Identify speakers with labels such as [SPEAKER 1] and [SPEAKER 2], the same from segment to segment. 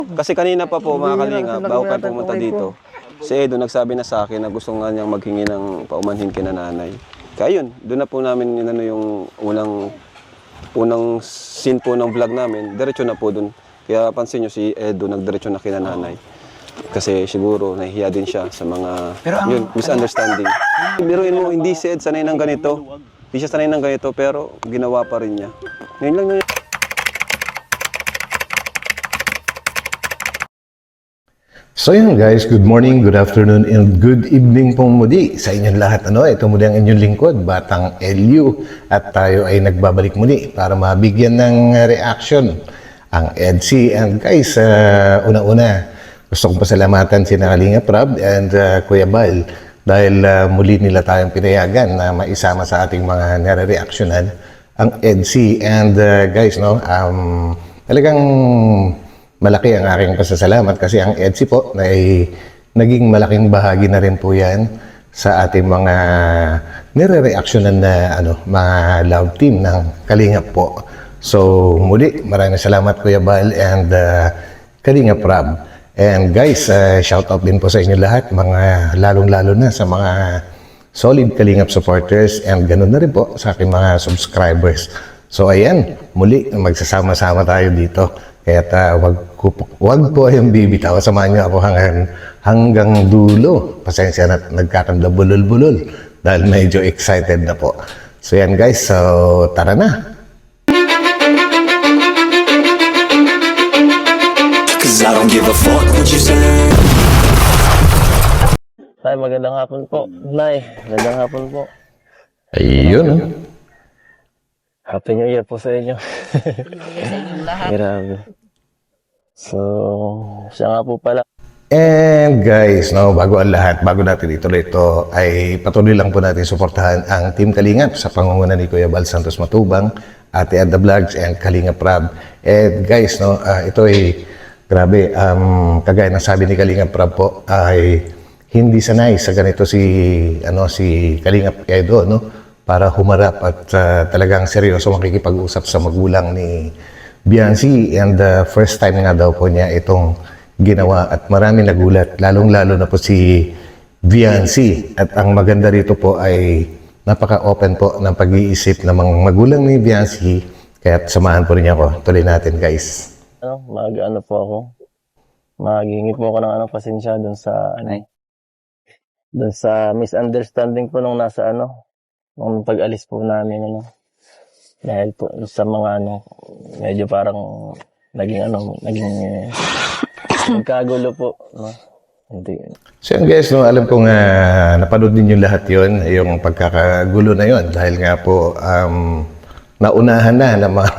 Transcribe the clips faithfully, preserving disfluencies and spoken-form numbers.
[SPEAKER 1] Kasi kanina pa po mga kalinga, bago kayo pumunta dito, si Edo nagsabi na sa akin na gusto nga niyang maghingi ng paumanhin kina nanay. Kaya yun, doon na po namin yun, ano, yung unang, unang scene po ng vlog namin, diretso na po doon. Kaya pansin nyo si Edo nagdiretso na kina nanay. Kasi siguro nahihiya din siya sa mga
[SPEAKER 2] Pero ang,
[SPEAKER 1] yun, misunderstanding. Biruin mo, hindi si Ed sanay ng ganito. Hindi siya sanay ng ganito pero ginawa pa rin niya. Ngayon lang yun.
[SPEAKER 3] So yun guys, good morning, good afternoon, and good evening pong muli sa inyong lahat. Ano, ito muli ang inyong lingkod, Batang L U. At tayo ay nagbabalik muli para mabigyan ng reaction ang EDSI. And guys, uh, una-una, gusto kong pasalamatan si Kalinga Prab and uh, Kuya Bal dahil uh, muli nila tayong pinayagan na maisama sa ating mga nare-reactionan ang EDSI. And uh, guys, no, um, talagang malaki ang aking pasasalamat kasi ang EDSI po ay naging malaking bahagi na rin po yan sa ating mga nire-reactionan na ano, mga love team ng Kalingap po. So muli, maraming salamat Kuya Bal and uh, Kalingap Prab. And guys, uh, shout out din po sa inyo lahat, mga lalong-lalo na sa mga solid Kalingap supporters and ganun na rin po sa aking mga subscribers. So ayan, muli magsasama-sama tayo dito. Kaya uh, wag, wag po yung bibitaw. Samahan niyo ako hanggang, hanggang dulo. Pasensya na nagkakanda bulol-bulol dahil medyo excited na po. So yan guys, so tara na.
[SPEAKER 4] Cause I don't give a fuck what you say.
[SPEAKER 5] Nay, magandang hapon po. Nay, magandang hapon po.
[SPEAKER 3] Ayun.
[SPEAKER 5] Happy New Year po sa inyo. Grabe. So, siya nga po pala.
[SPEAKER 3] And guys, no, bago ang lahat, bago natin ituloy ito, ay patuloy lang po natin suportahan ang Team Kalingap sa pangunguna ni Kuya Bal Santos Matubang, Ate Ada Vlogs, and Kalingap Prab. And guys, no, uh, ito ay grabe, um, kagaya ng sabi ni Kalingap Prab po, ay hindi sanay sa ganito si, ano, si Kalingap Edo, no? Para humarap at uh, talagang seryoso makikipag-usap sa magulang ni Biancy. And the uh, first time nga daw po niya itong ginawa at marami nagulat, lalong-lalo na po si Biancy. At ang maganda rito po ay napaka-open po ng pag-iisip ng mga magulang ni Biancy. Kaya samahan po rin ako. Tuloy natin guys.
[SPEAKER 5] Ano, mag-ano po ako. Maghingi po ako ng ano, pasensya dun sa, ano, dun sa misunderstanding po nung nasa, ano, nung pag-alis po namin, ano, dahil po sa mga, ano, medyo parang naging, ano, naging eh, nagkagulo po, no? Hindi.
[SPEAKER 3] So yun guys, no, alam kong uh, napanood din yung lahat yun, yung pagkakagulo na yun, dahil nga po, um, naunahan na ng mga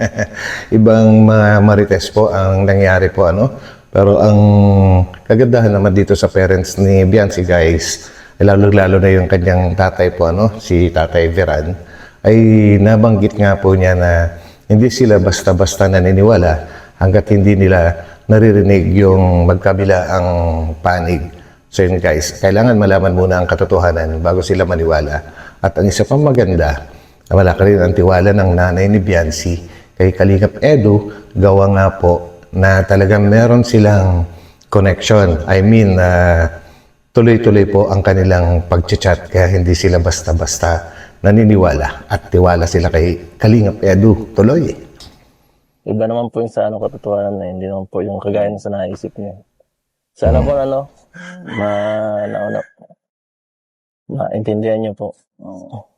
[SPEAKER 3] ibang mga marites po ang nangyari po, ano. Pero ang kagandahan naman dito sa parents ni Biancy guys, lalo-lalo na yung kanyang tatay po, ano, si Tatay Veran, ay nabanggit nga po niya na hindi sila basta-basta naniniwala hanggat hindi nila naririnig yung magkabila ang panig. So yun guys, kailangan malaman muna ang katotohanan bago sila maniwala. At ang isa pang maganda, malaki rin ang tiwala ng nanay ni Biancy kay Kalingap Edo, gawa nga po na talagang meron silang connection. I mean, uh, tuloy-tuloy po ang kanilang pag-chat kaya hindi sila basta-basta naniniwala at tiwala sila kay Kalingap Edo. Tuloy.
[SPEAKER 5] Iba naman po yung sa, ano, katotohanan na hindi naman po yung kagaya na sa naisip niya. Sana po, ano, ma, na, ano, maintindihan niyo po. Oo.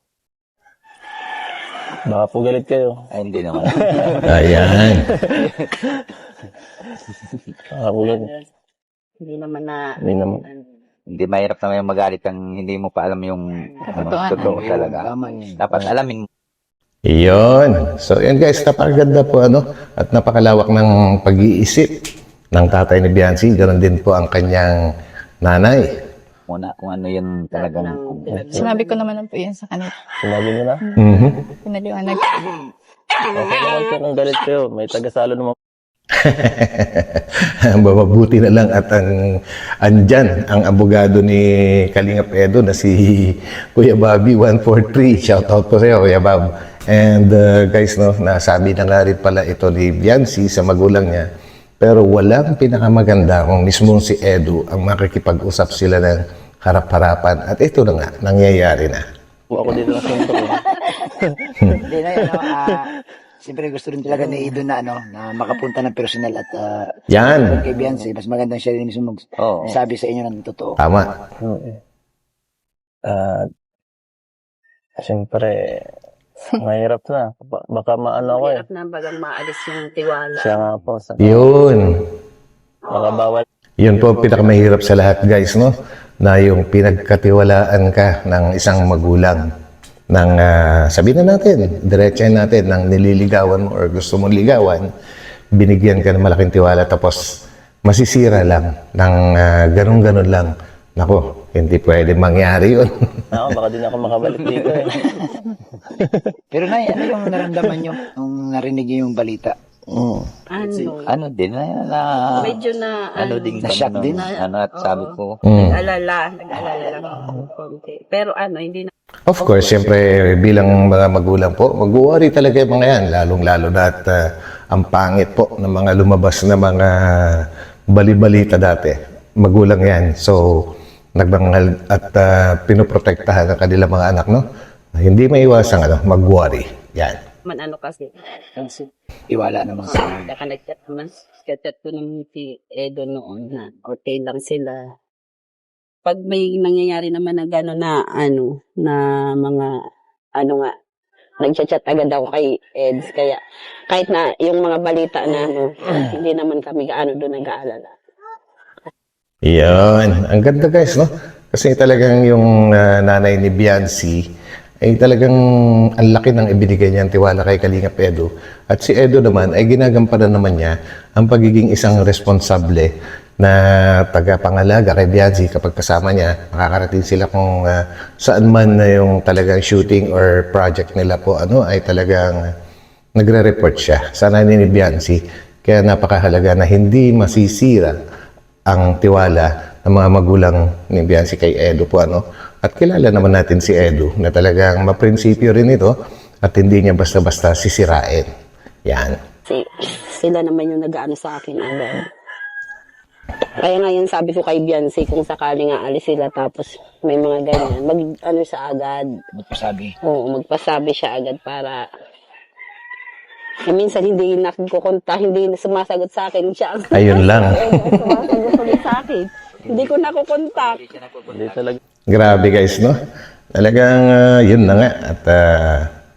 [SPEAKER 5] Baka po galit kayo.
[SPEAKER 2] Ay, hindi naman.
[SPEAKER 3] Ayan.
[SPEAKER 5] Baka po galit.
[SPEAKER 6] Hindi naman na...
[SPEAKER 5] Hindi naman.
[SPEAKER 2] Hindi mahirap naman yung magalit kang hindi mo pa alam yung ano, totoo talaga. Dapat alamin mo.
[SPEAKER 3] Iyon. So yun guys, napakaganda po ano at napakalawak ng pag-iisip ng tatay ni Biancy. Ganon din po ang kanyang nanay.
[SPEAKER 2] Muna kung ano yun talagang...
[SPEAKER 7] Sinabi ko naman po yan sa kanila.
[SPEAKER 5] Sinabi niyo na?
[SPEAKER 3] Mm-hmm.
[SPEAKER 7] Pinaliwanag.
[SPEAKER 5] Okay naman po kung galit kayo. May tagasalo naman.
[SPEAKER 3] Mabuti na lang at ang andyan ang abogado ni Kalingap Edo na si Kuya Bobby one four three. Shout out po sa iyo Kuya Bob. And uh, guys, no, nasabi na nga rin pala ito ni Biancy sa magulang niya Pero walang pinakamaganda kung mismong si Edu ang makikipag-usap sila ng harap-harapan. At ito na nga, nangyayari na.
[SPEAKER 5] Ako dito na sentro. eh.
[SPEAKER 8] Hindi na yun, ano, ah, siyempre gusto rin talaga ni Idol na, ano, na makapunta ng personal at uh,
[SPEAKER 3] Yan,
[SPEAKER 8] kay Beyonce, mas magandang siya rin mismo
[SPEAKER 2] Oo.
[SPEAKER 8] magsabi sa inyo ng totoo.
[SPEAKER 3] tama.
[SPEAKER 5] Oo, eh. At, siyempre, mahirap na. Ba- Baka maano ako eh.
[SPEAKER 6] Hirap na bagang maalis yung tiwala.
[SPEAKER 5] Siya nga po. Sa,
[SPEAKER 3] Yun.
[SPEAKER 5] baka bawal.
[SPEAKER 3] Yun po ang pinakamahirap sa lahat, guys, no? Na yung pinagkatiwalaan ka ng isang magulang ng, ah, sabihin na natin, diretsahin natin, ng nililigawan mo or gusto mong ligawan, binigyan ka ng malaking tiwala tapos masisira lang ng ah, ganun-ganun lang. Nako, hindi pwede mangyari yun.
[SPEAKER 5] Ako, baka din ako makabalik dito eh.
[SPEAKER 8] Pero na, ano yung naramdaman nyo nung narinig nyo yung balita?
[SPEAKER 5] Mm.
[SPEAKER 6] Ano,
[SPEAKER 2] Ano din na, na
[SPEAKER 6] medyo na,
[SPEAKER 2] ano
[SPEAKER 6] ano,
[SPEAKER 2] din
[SPEAKER 8] na-shock
[SPEAKER 2] kami
[SPEAKER 8] din?
[SPEAKER 2] nung- ano at sabi ko,
[SPEAKER 3] Mm.
[SPEAKER 6] nag-alala, nag-alala lang ako konti. Pero ano, hindi na,
[SPEAKER 3] Of course, siyempre bilang mga magulang po, mag-worry talaga yung mga yan, lalong-lalo na at ah, ang pangit po ng mga lumabas na mga balibalita dati. Magulang yan. So, nagbangal at uh, pinoprotektahan ang kanilang mga anak, no? Hindi maiwasan, ano, mag-worry. Yan.
[SPEAKER 6] man ano kasi.
[SPEAKER 8] Iwala naman sa
[SPEAKER 6] Uh, Saka nag-chat naman, chat ko ng si Edo noon na okay lang sila. Pag may nangyayari naman na gano'n na ano, na mga ano nga, nag-chat agad ako kay Eds. Kaya kahit na yung mga balita na ano, hindi naman kami gaano doon nag-aalala.
[SPEAKER 3] Yan. Ang ganda, guys, no? Kasi talagang yung ah, nanay ni Biancy ay talagang ang laki ng ibinigay niyang tiwala kay Kalingap Edo. At si Edo naman ay ginagampanan naman niya ang pagiging isang responsable na tagapangalaga kay Biancy kapag kasama niya. Makakarating sila kung ah, saan man na yung talagang shooting or project nila po ano ay talagang nagre-report siya sa nanay ni Biancy. Kaya napakahalaga na hindi masisira ang tiwala ng mga magulang ni Biancy kay Edo po ano. At kilala naman natin si Edo na talagang maprinsipyo rin ito at hindi niya basta-basta sisirain. Yan.
[SPEAKER 6] Si, sila naman yung nag-ano sa akin agad. Kaya ngayon sabi ko kay Biancy kung sakali nga alis sila tapos may mga ganyan, mag ano siya agad.
[SPEAKER 8] magpasabi.
[SPEAKER 6] Oo, magpasabi siya agad para eh, minsan hindi nakukonta, hindi sumasagot sa akin siya. ang-
[SPEAKER 3] Ayun lang.
[SPEAKER 6] sumasagot ulit sa akin. Hindi ko nakukontak.
[SPEAKER 5] Hindi talaga.
[SPEAKER 3] Grabe, guys, no? Talagang ah, yun na nga. At ah,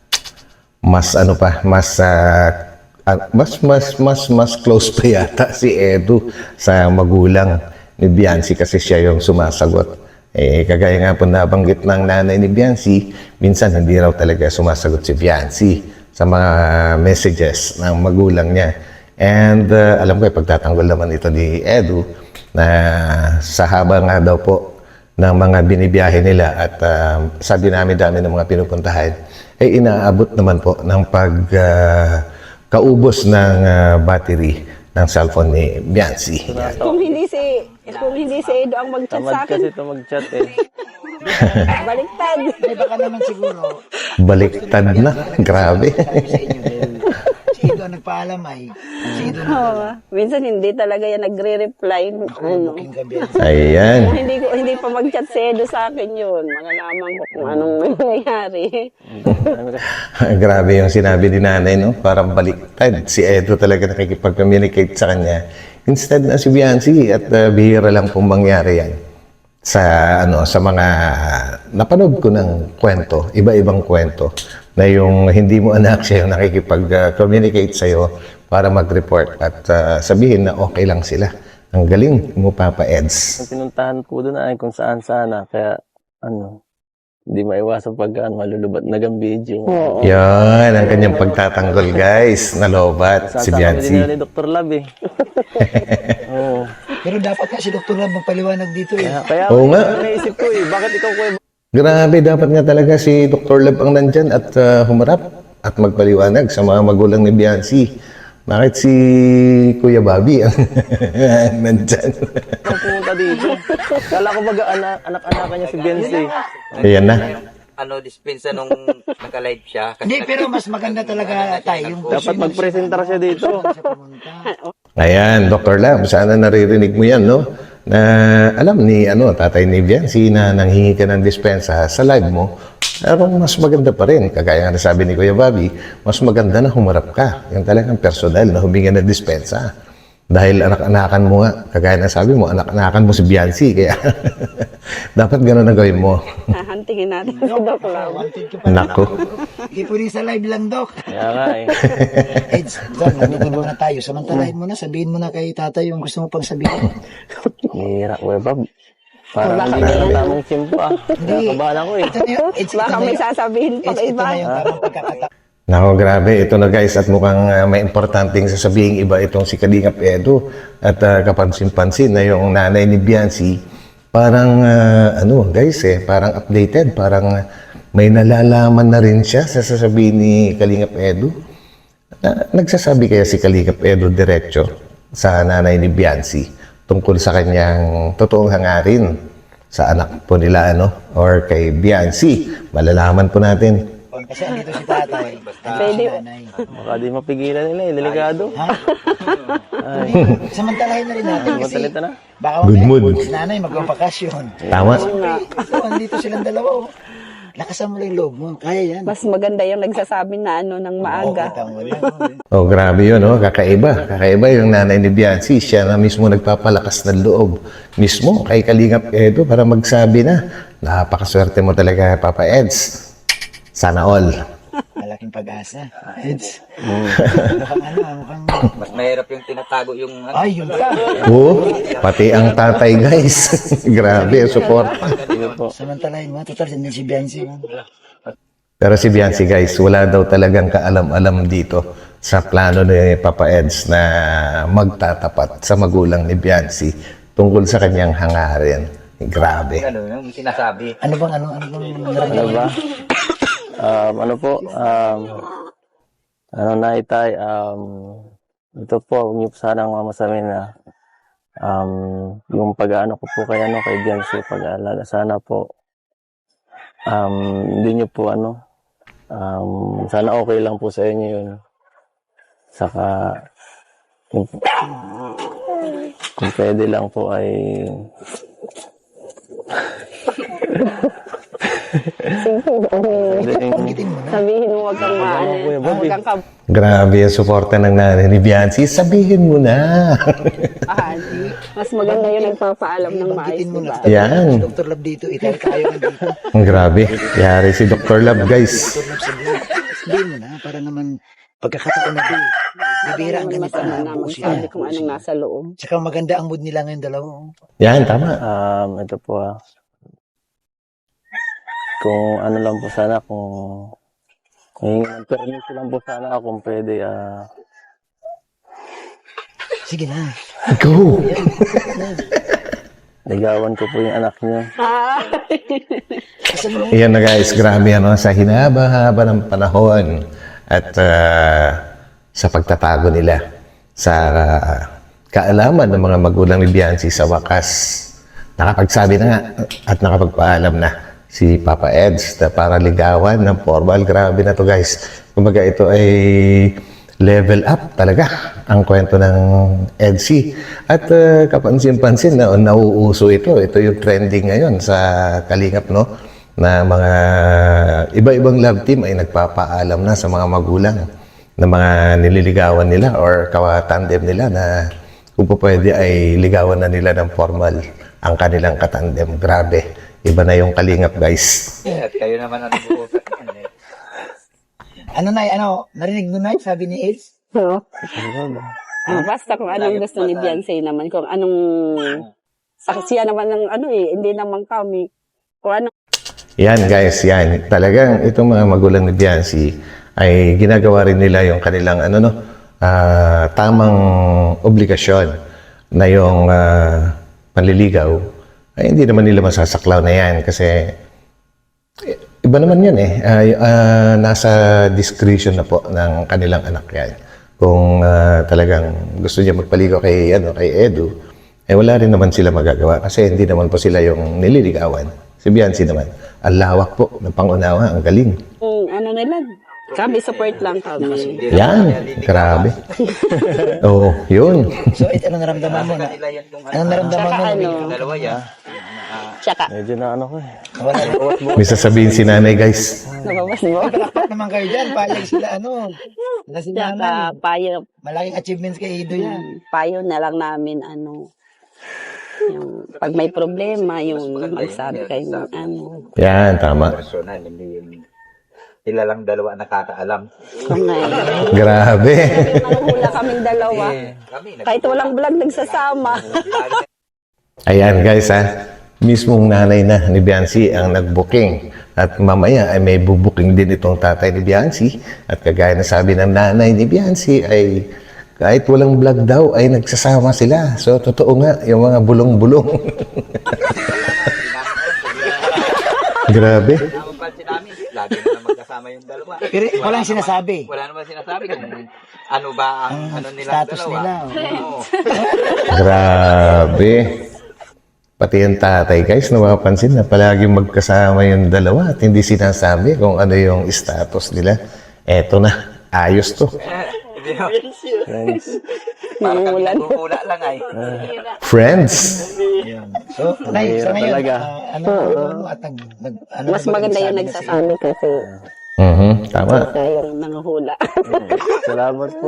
[SPEAKER 3] mas ano pa, mas ah, ah, mas mas mas mas close pa yata si Edo sa magulang ni Biancy kasi siya yung sumasagot. Eh, kagaya nga po nabanggit ng nanay ni Biancy, minsan hindi raw talaga sumasagot si Biancy sa mga messages ng magulang niya. And uh, alam ko, eh, pagtatanggol naman ito ni Edu na sa haba nga daw po ng mga binibiyahe nila at uh, sa dinami-dami ng mga pinupuntahan, ay inaabot naman po ng pag uh, kaubos ng uh, battery ng cellphone ni Biancy. Yan.
[SPEAKER 6] Kung hindi si kung hindi si Edo ang mag-chat
[SPEAKER 5] Tamad
[SPEAKER 6] sa akin,
[SPEAKER 5] kasi ito mag-chat eh.
[SPEAKER 6] baliktad.
[SPEAKER 8] Eh, baka naman siguro,
[SPEAKER 3] Baliktad na. Grabe.
[SPEAKER 8] sabi sa inyo dahil si Ido ang nagpaalam ay, si Ido na
[SPEAKER 6] Oo. Minsan hindi talaga yan nagre-reply. Ano.
[SPEAKER 8] king gabi.
[SPEAKER 3] Ayan.
[SPEAKER 6] Kung hindi ko hindi pa mag-chat si Edo sa akin yun, malalaman ko kung anong nangyayari.
[SPEAKER 3] Grabe yung sinabi ni nanay, no? Parang baliktad. Si Edo talaga nakikipag-communicate sa kanya. Instead na si Biancy at uh, bihira lang pong mangyari yan. Sa ano sa mga napanood ko ng kwento, iba-ibang kwento na yung hindi mo anak siya yung nakikipag-communicate sa iyo para mag-report at uh, sabihin na okay lang sila. Ang galing mo, Papa Eds.
[SPEAKER 5] Ang pinuntahan po doon ay kung saan sana. Kaya, ano, hindi maiwasan pag ano, malulubat na ang video.
[SPEAKER 6] Oo.
[SPEAKER 3] Yan ang kanyang pagtatanggol, guys. Nalobat si
[SPEAKER 5] Sasama din
[SPEAKER 3] Biancy.
[SPEAKER 5] nila ni Doctor Lab eh. Oo.
[SPEAKER 8] Pero dapat nga si Doktor Lab magpaliwanag dito eh.
[SPEAKER 5] Kaya, kaya
[SPEAKER 3] Oo nga.
[SPEAKER 5] ako naisip ko eh, bakit ikaw kuya
[SPEAKER 3] Grabe, dapat nga talaga si Doctor Lab ang nandyan at uh, humarap at magpaliwanag sa mga magulang ni Biancy. Bakit si Kuya Bobby ang nandyan?
[SPEAKER 5] Ikaw pumunta dito? Kala ko baga anak, anak-anakan niya si Benzi.
[SPEAKER 3] Ayan na.
[SPEAKER 2] ano, dispensa nung naka-live siya. Kasi
[SPEAKER 8] Hindi, pero mas maganda talaga tayo. Yung
[SPEAKER 5] Dapat magpresenta siya dito.
[SPEAKER 8] siya pumunta.
[SPEAKER 3] Ayan, Doctor Lab, sana naririnig mo yan, no? Na alam ni ano, Tatay Niviancy na nanghingi ka ng dispensa sa live mo, pero mas maganda pa rin. Kagaya nga sabi ni Kuya Bobby, mas maganda na humarap ka. Yung talagang personal na huminga ng dispensa. Dahil anak-anakan mo nga, kagaya na sabi mo, anak-anakan mo si Biancy, kaya dapat gano'n na gawin mo.
[SPEAKER 6] Hahantingin natin si Doc Lam.
[SPEAKER 3] Nako.
[SPEAKER 8] Hindi po rin sa live lang, Doc.
[SPEAKER 5] Kaya nga eh.
[SPEAKER 8] Eds, John, nandito muna tayo. Samantalahin mo na, sabihin mo na kay tatay yung gusto mo pang sabihin.
[SPEAKER 5] Hira, Kuya Bob. Parang
[SPEAKER 6] Baka
[SPEAKER 5] hindi
[SPEAKER 6] may-
[SPEAKER 5] ka tamang simpo ah. Nakabahan ako eh.
[SPEAKER 8] Ito na yun, Eds, ito
[SPEAKER 6] Baka
[SPEAKER 8] na
[SPEAKER 6] may
[SPEAKER 8] yun.
[SPEAKER 6] sasabihin pa
[SPEAKER 8] Eds,
[SPEAKER 6] kay
[SPEAKER 8] ito
[SPEAKER 6] iba.
[SPEAKER 8] na yung tamang pagkakataon.
[SPEAKER 3] Nako, grabe. Ito na guys, at mukhang uh, may importanteng sasabihin iba itong si Kalingap Edo at uh, kapansin-pansin na yung nanay ni Biancy, parang, uh, ano guys eh, parang updated, parang uh, may nalalaman na rin siya sa sasabihin ni Kalingap Edo. Na, nagsasabi kaya si Kalingap Edo diretso sa nanay ni Biancy tungkol sa kanyang totoong hangarin sa anak po nila, ano, or kay Biancy. Malalaman po natin.
[SPEAKER 8] Kasi andito si tatay.
[SPEAKER 6] Pwede.
[SPEAKER 8] Si nanay.
[SPEAKER 5] Baka di mapigilan nila eh. Delikado.
[SPEAKER 8] Ha?
[SPEAKER 5] Ay,
[SPEAKER 8] Samantalahin na rin natin kasi
[SPEAKER 5] matalita na.
[SPEAKER 8] baka
[SPEAKER 3] Good
[SPEAKER 8] mamaya,
[SPEAKER 3] mood.
[SPEAKER 8] si nanay magpapakasyon.
[SPEAKER 3] Tama?
[SPEAKER 8] So, andito silang dalawa. Oh. Lakasan mo lang yung loob mo. Kaya yan.
[SPEAKER 6] Mas maganda yung nagsasabi na ano ng maaga.
[SPEAKER 8] Kita mo lang.
[SPEAKER 3] Oh, grabe yun, oh. Kakaiba. Kakaiba yung nanay ni Biancy. Siya na mismo nagpapalakas ng loob. Mismo kay Kalingap Edo para magsabi na, napakaswerte mo talaga, Papa Eds. Sana all.
[SPEAKER 8] Malaking pag-asa. Eds. Mukhang ano, mukhang...
[SPEAKER 2] Mas mahirap yung tinatago yung ano.
[SPEAKER 8] Ay, yun pa.
[SPEAKER 3] Oh, pati ang tatay, guys. Grabe, support.
[SPEAKER 8] Samantalahin mo. Total, hindi si Biancy.
[SPEAKER 3] Pero si Biancy, guys, wala daw talagang kaalam-alam dito sa plano ni Papa Eds na magtatapat sa magulang ni Biancy tungkol sa kanyang hangarin. Grabe.
[SPEAKER 2] Ano yung sinasabi.
[SPEAKER 8] Ano bang, ano, ano bang
[SPEAKER 5] Ano
[SPEAKER 8] naramdaman?
[SPEAKER 5] ba? Um, ano po? Um, ano na itay? Um, ito po, huwag niyo po sanang mamasamin na um, yung pag-ano ko po kay, ano, kay Biancy, pag-aalaga. Sana po um, hindi niyo po ano um, sana okay lang po sa inyo yun. Saka kung, kung pwede lang po ay
[SPEAKER 8] Banggitin mo na.
[SPEAKER 6] Sabihin mo wag kang maano. Wag kang
[SPEAKER 3] Grabe yung suporta ng nanay ni Biancy. Sabihin mo na.
[SPEAKER 6] kabahan. Mas maganda yung nagpapaalam ng maayos,
[SPEAKER 8] Banggitin mo
[SPEAKER 6] diba?
[SPEAKER 8] na.
[SPEAKER 3] Yan.
[SPEAKER 8] Si Doctor Lab dito. Itayo tayo nandito.
[SPEAKER 3] Ang grabe. Yari si Doctor Love, guys.
[SPEAKER 8] Doctor Lab sa buhay. Sabihin mo na. Para naman pagkakataon na din. Bibira ang ganito na.
[SPEAKER 6] Naman
[SPEAKER 8] Buo sila.
[SPEAKER 6] sabi kung anong nasa loob.
[SPEAKER 8] Tsaka maganda ang mood nila ngayon dalawa. oh.
[SPEAKER 3] Yan, tama.
[SPEAKER 5] Um, ito po ah. Kung ano lang po sana, kung may permit lang po sana ako kung pwede ah.
[SPEAKER 8] Sige na.
[SPEAKER 3] Go!
[SPEAKER 5] Ligawan ko po yung anak niya.
[SPEAKER 3] Ayan na guys, grabe ano, sa hinaba-haba ng panahon at ah, sa pagtatago nila sa ah, kaalaman ng mga magulang ni Biancy sa wakas. Nakapagsabi na nga at nakapagpaalam na si Papa Eds na para ligawan ng formal. Grabe na to guys. Kumbaga ito ay level up talaga ang kwento ng Edsy. At uh, kapansin-pansin na nauuso ito. Ito yung trending ngayon sa Kalingap, no? Na mga iba-ibang love team ay nagpapaalam na sa mga magulang na mga nililigawan nila or kawatandem nila na kung po pwede ay ligawan na nila ng formal ang kanilang katandem. Grabe. Iba na yung Kalingap, guys.
[SPEAKER 2] At kayo naman ang nag-uusap niyan eh.
[SPEAKER 8] Ano na, ano, narinig mo na sabi ni Eds?
[SPEAKER 6] No? Ah, basta kung anong gusto ni Beyonce naman, kung anong saksiya naman ng ano eh, hindi naman kami. Kung ano
[SPEAKER 3] Yan, guys, yan. Talagang itong mga magulang ni Biancy ay ginagawa rin nila yung kanilang ano no, ah, tamang obligasyon na yung ah, panliligaw ay hindi naman nila masasaklaw na yan kasi eh, iba naman yan eh. Ay, ah, nasa discretion na po ng kanilang anak yan. Kung ah, talagang gusto niya magpaligaw kay, ano, kay Edu, eh wala rin naman sila magagawa kasi hindi naman po sila yung nililigawan. Si Biancy naman, ang lawak po ng pangunawa, ang galing.
[SPEAKER 6] kung ano nila, Kami, support lang kami.
[SPEAKER 3] Yan, grabe. Oo, yun.
[SPEAKER 8] So, ito, ano naramdaman mo? Na, ano naramdaman
[SPEAKER 6] Tsaka
[SPEAKER 8] mo?
[SPEAKER 6] ano,
[SPEAKER 2] Dalawa yan.
[SPEAKER 6] tsaka,
[SPEAKER 5] Medyo na ano ko eh.
[SPEAKER 8] Wala na.
[SPEAKER 3] May sasabihin si nanay, guys.
[SPEAKER 6] nababas mo?
[SPEAKER 8] Palakpak naman kayo dyan. Payag sila, ano. Sila si
[SPEAKER 6] Tsaka,
[SPEAKER 8] nanay.
[SPEAKER 6] payo,
[SPEAKER 8] Malaking achievements kay Ido yan.
[SPEAKER 6] payo na lang namin, ano, yung, pag may problema, yung magsabi kayo ng ano.
[SPEAKER 3] Yan, tama.
[SPEAKER 2] Personal, hindi yung sila lang dalawa nakakaalam.
[SPEAKER 6] Kung ngayon.
[SPEAKER 3] Grabe.
[SPEAKER 6] Nanghula kaming dalawa.
[SPEAKER 2] Kami,
[SPEAKER 6] Kahit walang vlog, nagsasama.
[SPEAKER 3] Ayan guys ha, mismong nanay na ni Biancy ang nag-booking. At mamaya ay may bubuking din itong tatay ni Biancy. At kagaya na sabi ng nanay ni Biancy ay kahit walang vlog daw ay nagsasama sila. So totoo nga, yung mga bulong-bulong. Grabe.
[SPEAKER 2] Ang pansin namin, lagi na lang magkasama yung dalawa.
[SPEAKER 8] Pero walang sinasabi.
[SPEAKER 2] Wala naman sinasabi kung ano ba ang ano nilang
[SPEAKER 8] Status
[SPEAKER 2] dalawa.
[SPEAKER 8] nila.
[SPEAKER 2] Oo.
[SPEAKER 3] Grabe. Pati yung tatay guys, napapansin na palaging magkasama yung dalawa at hindi sinasabi kung ano yung status nila. Eto na, ayos to.
[SPEAKER 2] Hindi mo.
[SPEAKER 5] Friends.
[SPEAKER 2] Parang kami nagkukula lang ay.
[SPEAKER 3] Friends.
[SPEAKER 8] So, Nay, sa
[SPEAKER 5] Mahirap
[SPEAKER 8] ngayon,
[SPEAKER 5] talaga.
[SPEAKER 8] ah, ano, ano, at nag, nag, ano
[SPEAKER 6] Mas
[SPEAKER 8] na ba
[SPEAKER 6] maganda yung
[SPEAKER 8] nagsabi na sila?
[SPEAKER 6] nagsasabi kasi
[SPEAKER 3] Mhm, tama.
[SPEAKER 6] siya yung nanghula.
[SPEAKER 5] Salamat po.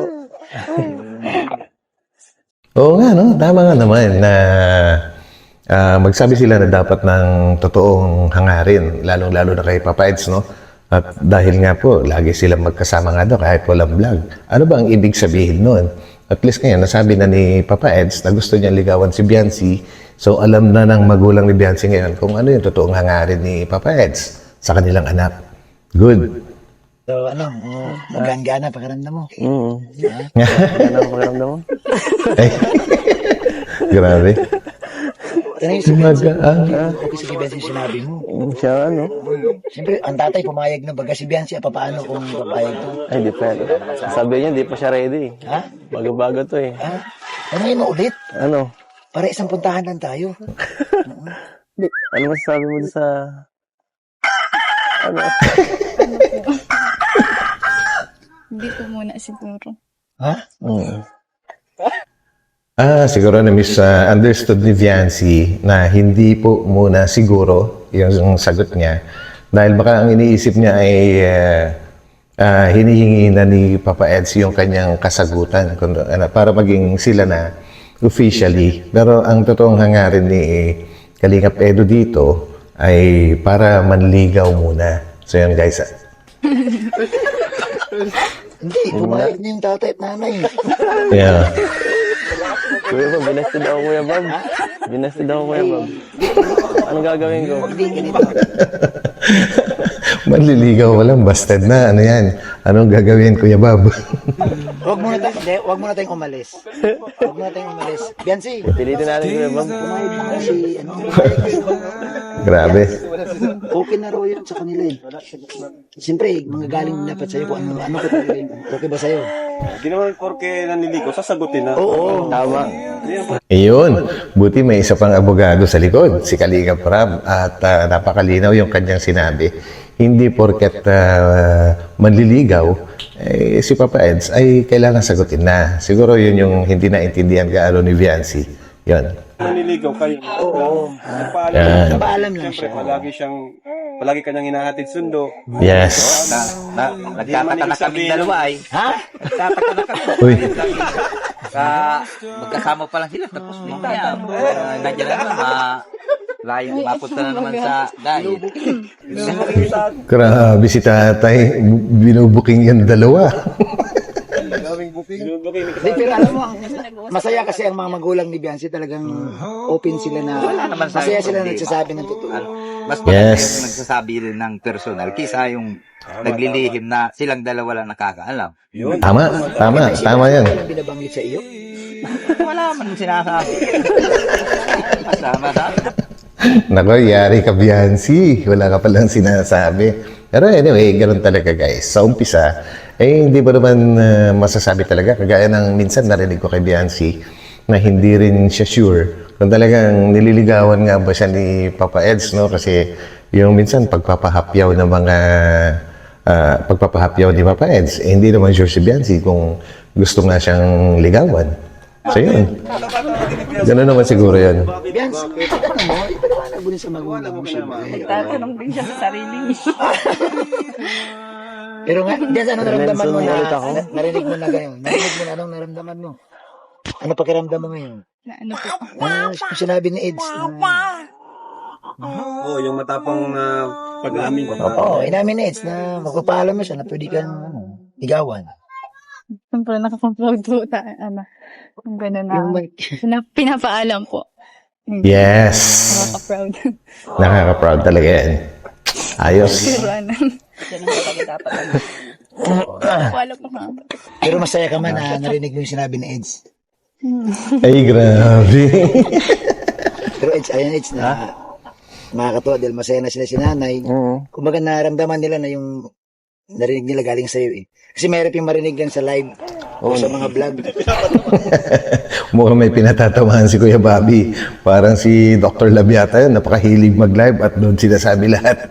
[SPEAKER 3] Oo nga, no? Tama nga naman na ah, magsabi sila na dapat ng totoong hangarin, lalong-lalo na kay Papa Eds, no? At dahil nga po, lagi silang magkasama nga daw kahit walang vlog. Ano ba ang ibig sabihin nun? At least ngayon, nasabi na ni Papa Eds na gusto niya ligawan si Biancy. So, alam na ng magulang ni Biancy ngayon kung ano yung totoong hangarin ni Papa Eds sa kanilang anak. Good.
[SPEAKER 8] So, ano, uh, magaan-gana pakiramdam mo.
[SPEAKER 5] Mm. Ano ang pakiramdam mo?
[SPEAKER 3] Ay, grabe.
[SPEAKER 8] Tanay si Benzi,
[SPEAKER 3] Magaan.
[SPEAKER 8] okay si Benzi yung sinabi mo.
[SPEAKER 5] Mm, Siya ano?
[SPEAKER 8] Siyempre, ang tatay pumayag na baga si Benzi, ah, paano kung papayag to?
[SPEAKER 5] Ay, di pa. Sabi niya, di pa siya ready.
[SPEAKER 8] Ha?
[SPEAKER 5] Bago-bago to eh.
[SPEAKER 8] Ha? Ano yun mo ulit?
[SPEAKER 5] Ano?
[SPEAKER 8] Para isang puntahan lang tayo.
[SPEAKER 5] Ano masasabi mo sa... Ano?
[SPEAKER 7] Hindi po muna siguro.
[SPEAKER 8] Ha?
[SPEAKER 5] Mm.
[SPEAKER 3] Ah, siguro na misunderstood ni Viancy na hindi po muna siguro yung sagot niya. Dahil baka ang iniisip niya ay uh, uh, hinihingi na ni Papa Eds yung kanyang kasagutan kung, ano, para maging sila na officially. Pero ang totoong hangarin ni Kalingap Edo dito ay para manligaw muna. So yun guys. ah.
[SPEAKER 8] Hindi, pumayag na yung tatay at nanay.
[SPEAKER 3] Yeah.
[SPEAKER 5] Kuya Bob, binasted ako Kuya Bob. Binasted ako Kuya Bob. Anong gagawin ko?
[SPEAKER 8] Hindi, ganito.
[SPEAKER 3] Manliligaw walang busted na. Ano yan? Anong gagawin, Kuya Bob?
[SPEAKER 8] Huwag muna tayong, hindi, huwag muna tayong umalis. Huwag muna tayong umalis. Biancy,
[SPEAKER 5] Pilitin natin Kuya Bob.
[SPEAKER 8] pumayag na nga si, ano,
[SPEAKER 3] Grabe.
[SPEAKER 8] okay na raw yun sa kanila eh. Siyempre, mga galing dapat sa'yo kung ano, ano ko talaga yun. Okay ba sa'yo?
[SPEAKER 1] Hindi naman porke naniligo, sasagutin na.
[SPEAKER 8] Oo.
[SPEAKER 5] Tama.
[SPEAKER 3] Iyon, buti may isa pang abogado sa likod, si Kalingap Rab, at ah, napakalinaw yung kanyang sinabi. Hindi porket ah, manliligaw, eh, si Papa Eds ay kailangan sagutin na. Siguro yun yung hindi naintindihan gaano ni Viancy. Yun.
[SPEAKER 1] Naniligaw kayo. Oo. Nagpaalam
[SPEAKER 3] Yan.
[SPEAKER 1] lang siya.
[SPEAKER 8] Paalam lang
[SPEAKER 1] Siyempre,
[SPEAKER 8] siya.
[SPEAKER 1] palagi siyang, palagi kanyang hinahatid sundo.
[SPEAKER 3] Yes.
[SPEAKER 2] Na, na, nagtataka na kami dalawa ay.
[SPEAKER 8] Ha?
[SPEAKER 2] Nagtataka na kami.
[SPEAKER 3] Uy,
[SPEAKER 2] Sa, magkasama pa lang sila. Tapos mamaya, uh, nandiyan na naman, ma, layo, mapunta na naman sa diet.
[SPEAKER 3] grabe si tatay. Binubuking yung dalawa.
[SPEAKER 8] Hindi, pero alam mo, ang- masaya kasi ang mga magulang ni Biancy talagang open sila na,
[SPEAKER 2] naman sa
[SPEAKER 8] masaya
[SPEAKER 2] akin
[SPEAKER 8] sila
[SPEAKER 2] problema.
[SPEAKER 8] nagsasabi ng totoo.
[SPEAKER 2] Ano, mas maganda
[SPEAKER 3] Yes.
[SPEAKER 2] yung nagsasabi rin ng personal kisa yung naglilihim na silang dalawa lang nakakaalam.
[SPEAKER 3] Tama, tama, tama yan.
[SPEAKER 8] Walang binabanggit sa iyo.
[SPEAKER 2] Wala man sinasabi. Masama sa
[SPEAKER 3] Nako, yari ka, Biancy. Wala ka palang sinasabi. Pero anyway, ganun talaga guys. Sa umpisa, eh hindi ba naman ah, masasabi talaga. Kagaya ng minsan narinig ko kay Biancy na hindi rin siya sure kung talagang nililigawan nga ba siya ni Papa Eds, no? Kasi yung minsan pagpapahapyaw ng mga ah, pagpapahapyaw ni Papa Eds. Eh, hindi naman sure si Biancy kung gusto nga siyang ligawan. So yun. Ganun naman siguro yun.
[SPEAKER 8] Bians, ano mo, ipaliwanag mo din sa magulang mo siya.
[SPEAKER 6] Tatanong din siya sa sarili niya.
[SPEAKER 8] Pero nga, Bians, ano naramdaman mo na,
[SPEAKER 5] Ulit ako.
[SPEAKER 8] na- narinig mo na ganyan? Narinig mo na, anong naramdaman mo? Ano pakiramdam mo ngayon?
[SPEAKER 7] Na ano po.
[SPEAKER 8] Ah, kung sinabi ni Eds na,
[SPEAKER 1] Oo, yung matapang na pag-amin.
[SPEAKER 8] oo, inamin ni Eds na magpapaalam mo siya na pwede kang, ano, ligawan.
[SPEAKER 7] Siyempre, nakakomplog po tayo. Ano, yung gano'n na.
[SPEAKER 8] Yung may,
[SPEAKER 7] Pina- pinapaalam po.
[SPEAKER 3] Yes.
[SPEAKER 7] Nakaka-proud.
[SPEAKER 3] Nakaka-proud talaga yan. Ayos.
[SPEAKER 7] Pero ano,
[SPEAKER 6] Yan ang talaga dapat. ano.
[SPEAKER 7] paalam po nga.
[SPEAKER 8] pero masaya ka man na narinig mo yung sinabi ni Eds.
[SPEAKER 3] Ay, grabe.
[SPEAKER 8] Pero Eds, ayun Eds na, nakakatuwa dahil masaya na sila si nanay.
[SPEAKER 5] Oo.
[SPEAKER 8] Kumbaga naramdaman nila na yung narinig nila galing sa'yo eh. Kasi mayroon yung marinig lang sa live o sa mga vlog.
[SPEAKER 3] Mukhang may pinatatamaan si Kuya Bobby. Parang si Doctor Labiata yun, napakahilig mag-live at doon sinasabi lahat.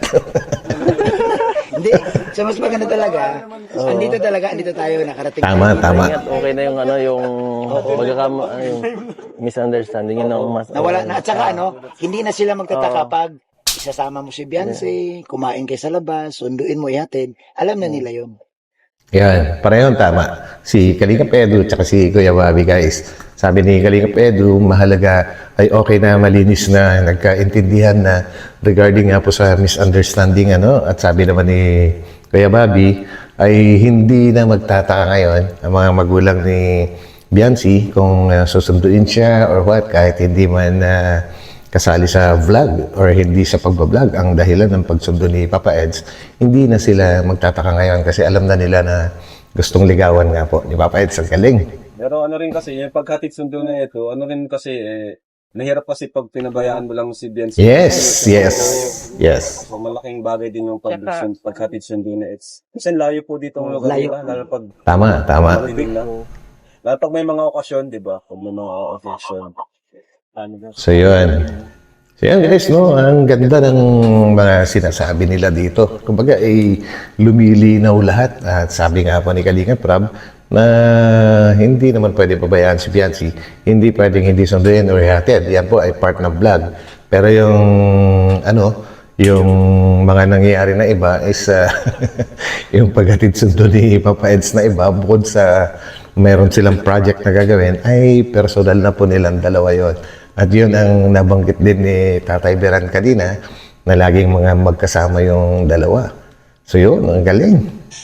[SPEAKER 8] Hindi, so mas maganda talaga. Andito talaga, andito tayo, nakarating.
[SPEAKER 3] Tama,
[SPEAKER 8] tayo.
[SPEAKER 3] tama.
[SPEAKER 5] Ingat, okay na yung ano, yung magkakama, ano, yung misunderstanding yun ang mas...
[SPEAKER 8] Nawala na. At saka ano, hindi na sila magtataka pag isasama mo si Beyonce, kumain kayo sa labas, sunduin mo, ihatid. Alam na nila yun.
[SPEAKER 3] Yan, parehong tama. Si Kalinga Pedro at si Kuya Bobby, guys. Sabi ni Kalinga Pedro, mahalaga ay okay na, malinis na, nagkaintindihan na regarding nga po sa misunderstanding. Ano? At sabi naman ni Kuya Bobby, ay hindi na magtataka ngayon ang mga magulang ni Biancy kung uh, susunduin siya or what, kahit hindi man uh, kasali sa vlog or hindi sa pagbablog ang dahilan ng pagsundo ni Papa Eds, hindi na sila magtataka ngayon kasi alam na nila na gustong ligawan nga po ni Papa Eds. Ang galing.
[SPEAKER 1] Pero ano rin kasi, yung paghatid sundo na ito, ano rin kasi, eh, nahirap kasi pag pinabayaan mo lang si Biancy.
[SPEAKER 3] Yes, yes, yes.
[SPEAKER 1] So, malaking bagay din yung pag paghatid sundo na it's. Kasi layo po dito ang lugar
[SPEAKER 8] Layo.
[SPEAKER 1] nila, lalo pag
[SPEAKER 3] Tama, tama.
[SPEAKER 1] marinig na. Lalo pag may mga okasyon, di ba? Pag may mga okasyon. Ano na?
[SPEAKER 3] So yun. So yun guys, no? Ang ganda ng mga sinasabi nila dito. Kumbaga, ay lumilinaw lahat. At sabi nga po ni Kalinga Prab, na hindi naman pwede pabayaan si Biancy. Hindi pwedeng hindi sunduin or ihatid. Yan po ay part ng vlog. Pero yung, ano, yung mga nangyayari na iba is uh, yung paghatid sundo ni Papa Eds na iba, bukod sa meron silang project na gagawin, ay personal na po nilang dalawa yon. At yun ang nabanggit din ni Tatay Beran kanina, na laging mga magkasama yung dalawa. So yun, ang galing.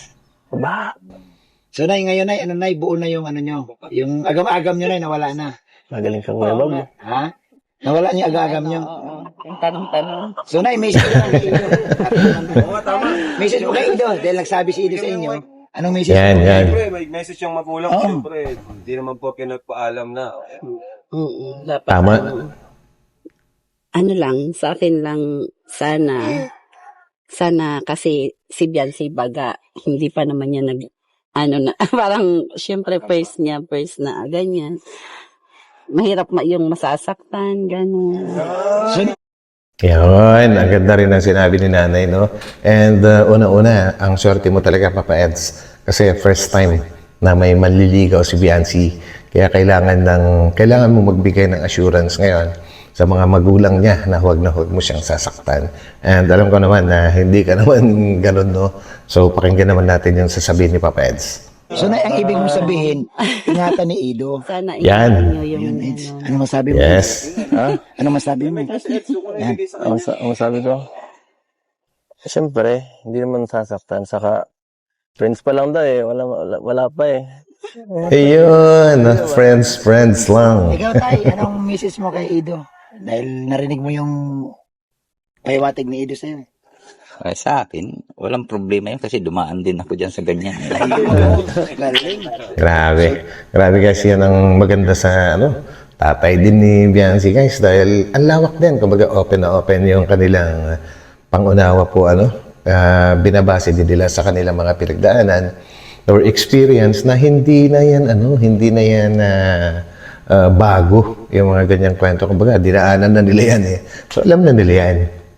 [SPEAKER 8] So nay, ngayon nay, ano nay, buo na yung ano nyo. Yung agam-agam nyo nay, nawala na.
[SPEAKER 5] Magaling ka Kuya Bob.
[SPEAKER 8] Ha? Nawala niyo yung agam-agam nyo.
[SPEAKER 6] Oo, yung tanong-tanong.
[SPEAKER 8] So nay, message mo kay Ido. Message mo kay Ido, dahil nagsabi si Ido sa inyo. Anong message
[SPEAKER 3] Yan,
[SPEAKER 8] mo?
[SPEAKER 3] yan.
[SPEAKER 1] Siyempre, may message yung magulang.
[SPEAKER 8] Oo.
[SPEAKER 1] Siyempre, hindi naman po pinagpaalam na.
[SPEAKER 6] Oo, dapat
[SPEAKER 3] Tama.
[SPEAKER 6] ano, ano lang, sa akin lang, sana, sana kasi si Biancy baga, hindi pa naman niya nag, ano na, parang, syempre, first niya, first na, ganyan. Mahirap ma yung masasaktan, gano'n.
[SPEAKER 8] So,
[SPEAKER 3] Yun, ang ganda rin ang sinabi ni nanay, no? And uh, una-una, ang swerte mo talaga, Papa Eds. Kasi first time na may manliligaw si Biancy. Kaya kailangan ng kailangan mo magbigay ng assurance ngayon sa mga magulang niya na huwag na huwag mo siyang sasaktan. And alam ko naman na hindi ka naman ganun, no? So, pakinggan naman natin yung sasabihin ni Papa Eds.
[SPEAKER 8] so nay, ang ibig mong sabihin, ingatan ni Ido.
[SPEAKER 6] Sana
[SPEAKER 3] Yan.
[SPEAKER 6] ingatan niyo yung,
[SPEAKER 8] Yun, Eds.
[SPEAKER 6] ano,
[SPEAKER 8] Ano masabi mo?
[SPEAKER 3] Yes.
[SPEAKER 5] Ha?
[SPEAKER 8] Ano masabi mo? Yan.
[SPEAKER 5] Ang, sa- ang sabi ko, siyempre, hindi naman sasaktan. Saka, friends pa lang daw eh. Wala, wala, wala pa eh.
[SPEAKER 3] Ayun, friends, friends lang.
[SPEAKER 8] Ikaw tay, anong message mo kay Ido? Dahil narinig mo yung pahiwatig ni Ido sa'yo.
[SPEAKER 2] Ay, sa akin, walang problema yun kasi dumaan din ako dyan sa ganyan.
[SPEAKER 8] Galing.
[SPEAKER 3] Grabe. Grabe guys, yan ang maganda sa ano, tatay din ni Biancy guys dahil ang lawak din. Kumbaga open na open yung kanilang uh, pangunawa po ano. Uh, binabase din nila sa kanilang mga pinagdaanan or experience na hindi na yan ano, hindi na yan uh, uh, bago yung mga ganyang kwento. Kumbaga dinaanan na nila yan eh. So alam na nila yan.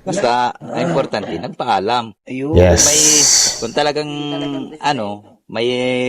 [SPEAKER 2] Basta, ang importante, nagpaalam.
[SPEAKER 8] Ayun.
[SPEAKER 3] Yes.
[SPEAKER 2] May, kung talagang, ano, may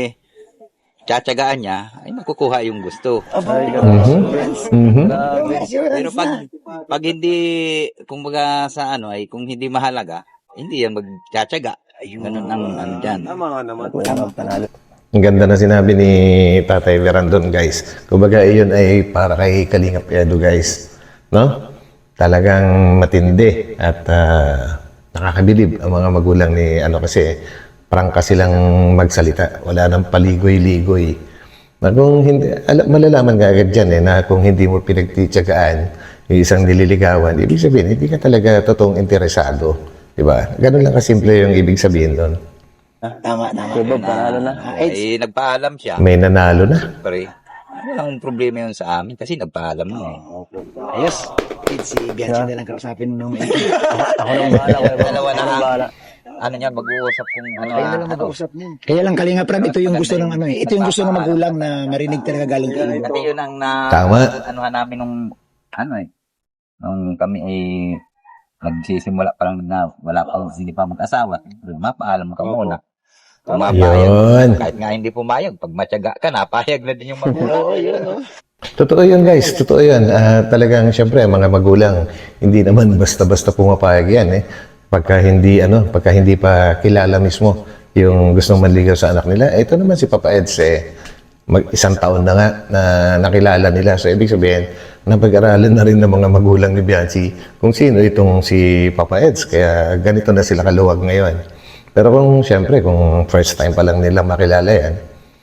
[SPEAKER 2] tsatsagaan niya, ay makukuha yung gusto.
[SPEAKER 3] Mhm. Mhm.
[SPEAKER 2] Pero pag, pag hindi, kumbaga sa ano, ay kung hindi mahalaga, hindi yan magtsatsaga. Ganun ang ano dyan.
[SPEAKER 1] Tama nga naman.
[SPEAKER 5] Panalo.
[SPEAKER 3] Ang ganda na sinabi ni Tatay Verandon, guys. Kumbaga, iyon ay para kay Kalingap Edo, guys. No? Talagang matindi at ah, nakakabilib ang mga magulang ni ano kasi prangka silang magsalita. Wala nang paligoy-ligoy. Na kung hindi, ala, malalaman ka agad dyan eh, na kung hindi mo pinagtitsagaan yung isang nililigawan, ibig sabihin, hindi ka talaga totoong interesado. Diba? Ganun lang kasimple yung ibig sabihin doon.
[SPEAKER 8] Tama, tama.
[SPEAKER 5] Kuya Bob, panalo na.
[SPEAKER 8] Ah, Eds,
[SPEAKER 2] Ay, nagpaalam siya.
[SPEAKER 3] May nanalo na.
[SPEAKER 2] Pre, walang problema yun sa amin kasi nagpaalam na eh.
[SPEAKER 8] ayos. Eds, si Bianchi na lang kausapin nung may...
[SPEAKER 5] Ako nang bahala, Kuya Bob.
[SPEAKER 2] Dalawa na
[SPEAKER 5] Ako nang
[SPEAKER 2] ang-
[SPEAKER 5] bahala.
[SPEAKER 2] Ano niya, mag-uusap kung ano.
[SPEAKER 8] Kaya na lang
[SPEAKER 2] ano.
[SPEAKER 8] mag-uusap niyan. Kaya lang Kalinga Prab, ito yung gusto ng ano eh. Ito yung gusto ng magulang na marinig talaga galing kay iyo.
[SPEAKER 2] Kasi yun ang na,
[SPEAKER 3] Tama.
[SPEAKER 2] ano namin nung, ano eh, nung kami ay nagsisimula pa lang na wala pa, hindi pa mag-asawa. Mapaalam ka muna. Kung mapayag,
[SPEAKER 3] Yun.
[SPEAKER 2] kahit nga hindi pumayag, pag matyaga ka, napayag na din yung magulang.
[SPEAKER 3] Totoo yun, guys. Totoo yun. Ah, talagang, syempre, mga magulang, hindi naman basta-basta pumapayag yan, eh. Pagka hindi, ano, pagka hindi pa kilala mismo yung gustong manligaw sa anak nila. Ito naman si Papa Eds, eh, mag isang taon na nga na nakilala nila. So, ibig sabihin, napag-aralan na rin ng mga magulang ni Bianchi kung sino itong si Papa Eds. Kaya ganito na sila kaluwag ngayon. Pero kung, syempre, kung first time pa lang nila makilala yan,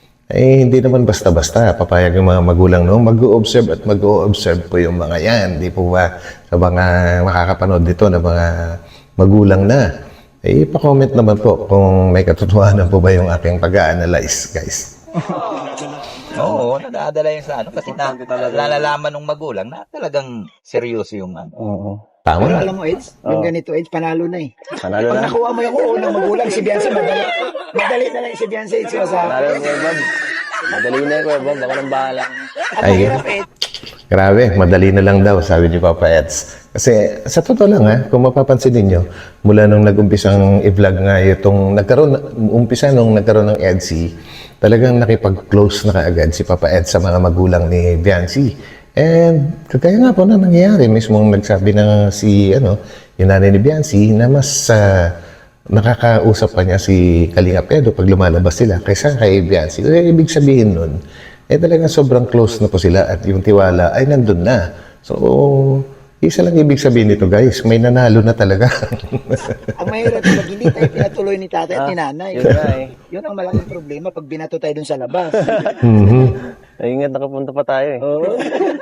[SPEAKER 3] eh, hindi naman basta-basta papayag yung mga magulang, no? Mag-o-observe at mag-o-observe po yung mga yan. Di po ba sa mga makakapanood dito na mga magulang na? Eh, pa-comment naman po kung may katotohanan po ba yung aking pag-a-analyze, guys.
[SPEAKER 2] Oo, nadadala yun sa ano, kasi na, nalalaman ng magulang na talagang seryoso yung ano.
[SPEAKER 5] Oo.
[SPEAKER 3] Tama
[SPEAKER 8] Pero
[SPEAKER 3] na.
[SPEAKER 8] alam mo, Eds, yung ganito, Eds, panalo na eh.
[SPEAKER 5] Panalo
[SPEAKER 8] Pag
[SPEAKER 5] na.
[SPEAKER 8] nakuha mo yung oo ng magulang, si Bianchi, madali. Madali na lang si Bianchi, Eds, sa
[SPEAKER 5] Panalo na, Kuya Bob. Madali na, Kuya Bob. Ako nang bahala.
[SPEAKER 8] At
[SPEAKER 3] Ay,
[SPEAKER 8] mahirap, Eds.
[SPEAKER 3] Grabe, madali na lang daw, sabi ni Papa Eds. Kasi sa totoo lang ha, kung mapapansin ninyo, mula nung nag-umpisang i-vlog nga itong nagkaroon, umpisa nung nagkaroon ng Edsy, talagang nakipag-close na kaagad si Papa Eds sa mga magulang ni Bianchi. And kagaya nga po na nangyayari, mismong nagsabi na si, ano, yung nanay ni Bianchi na mas ah, nakakausap pa niya si Kalinga Pedro pag lumalabas sila kaysa kay Bianchi. So, ibig sabihin nun, eh talagang sobrang close na po sila at yung tiwala ay nandun na. So, isa lang ibig sabihin nito, guys, may nanalo na talaga.
[SPEAKER 8] Ang mahirap pag hindi tayo pinatuloy ni tatay at ni nanay.
[SPEAKER 5] Yun na eh.
[SPEAKER 8] Yun ang malaking problema pag binato tayo dun sa labas.
[SPEAKER 3] Mhm.
[SPEAKER 5] Ingat, nakapunta pa tayo eh.
[SPEAKER 8] Oo.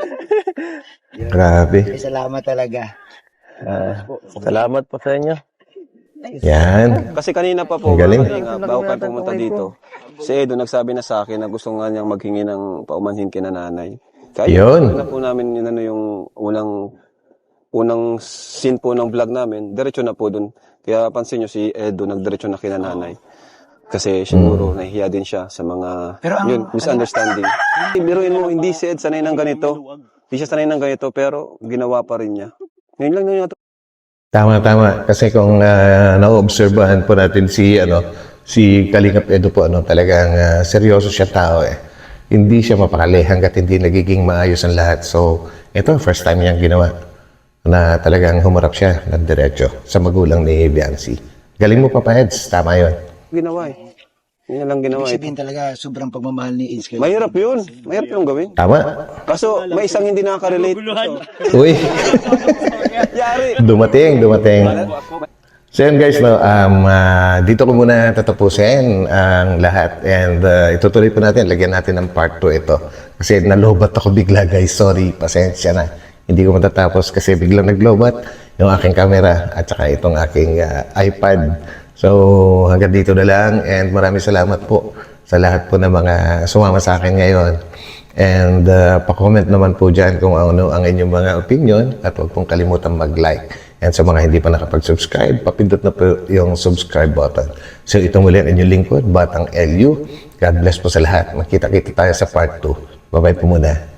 [SPEAKER 3] Grabe.
[SPEAKER 8] Eh, salamat talaga.
[SPEAKER 5] Ah, salamat po sa inyo.
[SPEAKER 3] Yan.
[SPEAKER 1] Kasi kanina pa po,
[SPEAKER 3] Ang galing.
[SPEAKER 1] mga kalingap, bago kayo pumunta dito, si Edo nagsabi na sa akin na gusto nga niyang maghingi ng paumanhin kina nanay. Kaya
[SPEAKER 3] Yun.
[SPEAKER 1] na po namin yun, ano, yung unang unang scene po ng vlog namin, diretso na po dun. Kaya pansin nyo si Edo nagdiretso na kina nanay. Kasi siguro nahihiya din siya sa mga
[SPEAKER 8] Pero ang-
[SPEAKER 1] yun, misunderstanding. Biruin mo, hindi si Ed sanay ng ganito. Hindi siya sanay ng ganito, pero ginawa pa rin niya. Ngayon lang niya
[SPEAKER 3] Tama, tama. Kasi kung uh, na-obserbahan po natin si, ano, si Kalingap Edo po, ano, talagang ah, seryoso siya tao eh. Hindi siya mapakali hanggat hindi nagiging maayos ang lahat. So, ito, first time niyang ginawa na talagang humarap siya ng diretso sa magulang ni Bianchi. Galing mo, Papa Eds. Tama yun.
[SPEAKER 1] ginawa eh. Yun na lang ginawa
[SPEAKER 8] Ibig
[SPEAKER 1] eh.
[SPEAKER 8] sabihin talaga, sobrang pagmamahal ni Eds. kay-
[SPEAKER 1] Mahirap yun. Mahirap yung gawin.
[SPEAKER 3] Tama.
[SPEAKER 1] Kaso may isang hindi nakaka-relate.
[SPEAKER 3] Uy,
[SPEAKER 1] Yari.
[SPEAKER 3] dumating, dumating. So yun guys, no, um, ah, dito ko muna tatapusin ang lahat and uh, itutuloy po natin, lagyan natin ng part two ito. Kasi nalobat ako bigla guys, sorry, pasensya na. Hindi ko matatapos kasi biglang naglobat yung aking camera at saka itong aking ah, iPad. So hanggang dito na lang and maraming salamat po sa lahat po ng mga sumama sa akin ngayon. And uh, pa-comment naman po dyan kung ano ang inyong mga opinion at huwag pong kalimutan mag-like. And sa mga hindi pa nakapag-subscribe, papindot na po yung subscribe button. So ito muli ang inyong lingkod, Batang L U. God bless po sa lahat. Makita-kita tayo sa part two. Bye-bye po muna.